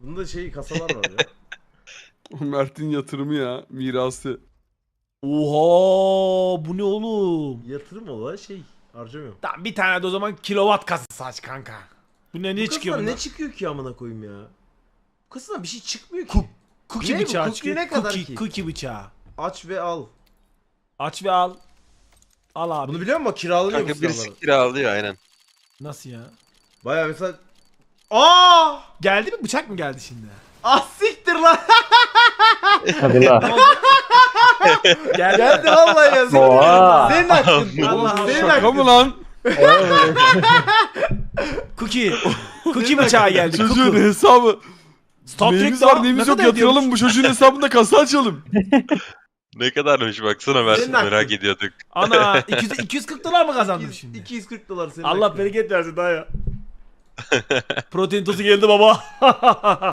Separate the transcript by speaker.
Speaker 1: Bunda şey kasalar var ya.
Speaker 2: Mert'in yatırımı ya. Mirası.
Speaker 3: Oha bu ne oğlum?
Speaker 1: Yatırım olan şey harcamıyorum.
Speaker 3: Tamam bir tane de o zaman kilowatt kasası aç kanka. Bu ne niye
Speaker 1: Bu
Speaker 3: çıkıyor
Speaker 1: kasadan
Speaker 3: bundan?
Speaker 1: ne çıkıyor ki amına koyayım ya? Bu kasadan bir şey çıkmıyor ki.
Speaker 3: Cookie
Speaker 1: Ne bu?
Speaker 3: bıçağı
Speaker 1: Cookie
Speaker 3: çıkıyor.
Speaker 1: ne kadar
Speaker 3: Cookie,
Speaker 1: ki?
Speaker 3: cookie bıçağı.
Speaker 1: Aç ve al.
Speaker 3: Aç ve al. Al abi.
Speaker 1: Bunu biliyor musun? Kiralanıyor bu
Speaker 4: Kanka birisi
Speaker 1: silahlar.
Speaker 4: kiralıyor aynen.
Speaker 3: Nasıl ya?
Speaker 1: Baya mesela... Aa!
Speaker 3: Geldi mi? Bıçak mı geldi şimdi?
Speaker 1: Ah siktir lan!
Speaker 5: Hadi la.
Speaker 3: Geldi.
Speaker 1: Geldi vallahi ya.
Speaker 5: Oha.
Speaker 1: Senin hakkın.
Speaker 3: Allah
Speaker 1: Senin
Speaker 2: Şaka
Speaker 1: hakkın.
Speaker 2: mı lan?
Speaker 3: Cookie. Cookie bıçağı geldi.
Speaker 2: Çocuğun
Speaker 3: Cookie.
Speaker 2: hesabı.
Speaker 3: Star
Speaker 2: Neyimiz
Speaker 3: Trek'te
Speaker 2: var neyimiz
Speaker 3: ne
Speaker 2: yok
Speaker 3: kadar
Speaker 2: yatıralım
Speaker 3: ediyormuş?
Speaker 2: bu çocuğun hesabında kasa açalım.
Speaker 4: Ne kadarmış baksana Mert,
Speaker 1: Senin hakkın.
Speaker 4: merak ediyorduk.
Speaker 3: Ana 240 dolar mı kazandım şimdi?
Speaker 1: 240 dolar senin
Speaker 3: Allah
Speaker 1: hakkın.
Speaker 3: bereket versin daha ya. Protein tozu geldi baba.